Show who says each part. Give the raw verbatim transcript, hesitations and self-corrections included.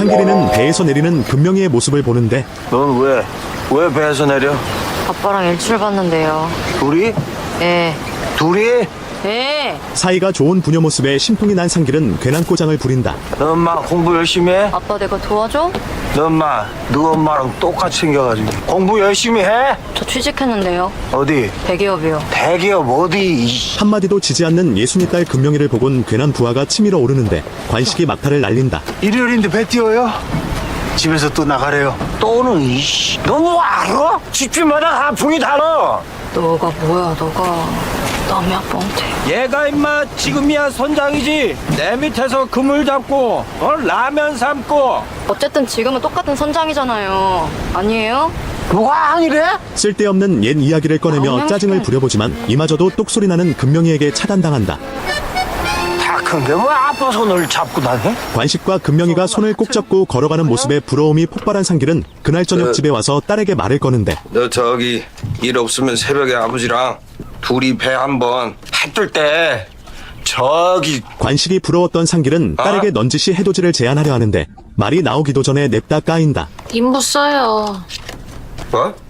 Speaker 1: 상길이는 배에서 내리는 금명이의 모습을 보는데
Speaker 2: 넌 왜? 왜 배에서 내려?
Speaker 3: 아빠랑 일출 봤는데요.
Speaker 2: 둘이?
Speaker 3: 예.
Speaker 2: 둘이?
Speaker 3: 예.
Speaker 1: 사이가 좋은 부녀 모습에 심통이 난 상길은 괜한 꼬장을 부린다.
Speaker 2: 너 엄마 공부 열심히 해?
Speaker 3: 아빠 내가 도와줘?
Speaker 2: 너 엄마 너 엄마랑 똑같이 생겨가지고 공부 열심히 해?
Speaker 3: 저 취직했는데요.
Speaker 2: 어디?
Speaker 3: 대기업이요.
Speaker 2: 대기업 어디? 이씨.
Speaker 1: 한마디도 지지 않는 예순이 딸 금명이를 보곤 괜한 부하가 치밀어 오르는데 관식이 막타를 날린다.
Speaker 4: 일요일인데 배 띄워요? 집에서 또 나가래요.
Speaker 2: 또는 이씨. 너무 알아? 집집마다 하풍이 달라.
Speaker 3: 너가 뭐야 너가. 남의 아빠한테.
Speaker 2: 얘가 임마 지금이야 선장이지. 내 밑에서 그물 잡고 어? 라면 삶고.
Speaker 3: 어쨌든 지금은 똑같은 선장이잖아요. 아니에요?
Speaker 2: 뭐가 아니래?
Speaker 1: 쓸데없는 옛 이야기를 꺼내며
Speaker 3: 아,
Speaker 1: 짜증을 부려보지만 이마저도 똑소리 나는 금명이에게 차단당한다.
Speaker 2: 다 큰 게 뭐 아빠 손을 잡고 다녀?
Speaker 1: 관식과 금명이가 손을 꼭 잡고 걸어가는 모습에 부러움이 폭발한 상길은 그날 저녁 집에 와서 딸에게 말을 거는데
Speaker 5: 너 저기 일 없으면 새벽에 아버지랑 둘이 배 한번 해뜰 때 저기
Speaker 1: 관식이 부러웠던 상길은 딸에게 넌지시 해돋이를 제안하려 하는데 말이 나오기도 전에 냅다 까인다.
Speaker 6: 인부 써요.
Speaker 5: 뭐?